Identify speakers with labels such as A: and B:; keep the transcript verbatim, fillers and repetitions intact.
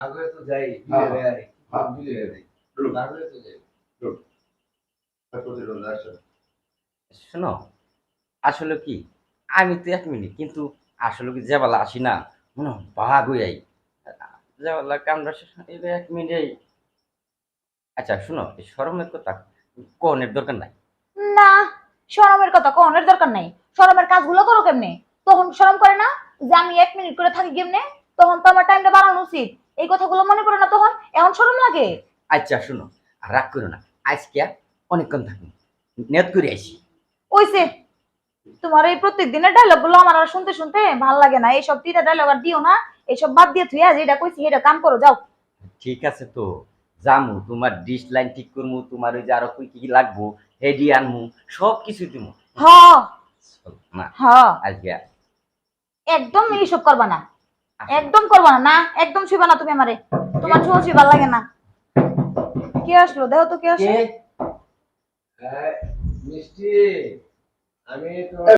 A: আগে তো যাই
B: হ্যাঁ,
A: বিলে যাই
B: হ্যাঁ।
A: বিলে যাই
B: চলুন,
A: আগে তো যাই
B: চলুন। প্রতিরোধ আসেন।
C: শোনো, আসলে কি আমি তো এক মিনিট কিন্তু আসলে কি যে বেলা আসি না মনে হয় বাঘ হয়ে যাই যে বেলা কামড়া শেষ হয়, এই এক মিনিটেই। আচ্ছা শোনো, এই শরমের কথা কোনের দরকার নাই।
D: না, শরমের কথা কোনের দরকার নাই। শরমের কাজগুলো করো কেমনে? তখন শরম করে না যে আমি এক মিনিট করে থাকি কেমনে? তখন তো আমার টাইমটা বাড়ানো উচিত। এই কথাগুলো মনে করে না তখন, এখন শরম লাগে।
C: আচ্ছা শোনো, আর রাগ করো না, আজকে অনেকক্ষণ থাকি নেট করে আইসি।
D: ওইসে তোমার এই প্রত্যেক দিনের ডায়লগ গুলো আমার আর শুনতে শুনতে ভাল লাগে না। এইসব তিতা ডায়লগ আর দিও না। এইসব বাদ দিয়ে তুই আজ এটা কইছি এটা কাম করো, যাও।
C: ঠিক আছে তো জামু, তোমার ডিশ লাইন ঠিক করমু, তোমার ওই যে আরো কি কি লাগবো হেডি আনমু, সব কিছু দিমু।
D: হ
C: না
D: হ
C: আজকে
D: একদম এইসব করবা না, একদম করবা না। না একদম ছুইবা না তুমি আমারে। তোমার ছুঁয়া ছুঁই ভাল লাগে না। কে আসলো দেখো তো কে আসলো।
C: কে?
A: হ্যাঁ মিষ্টি আমি তো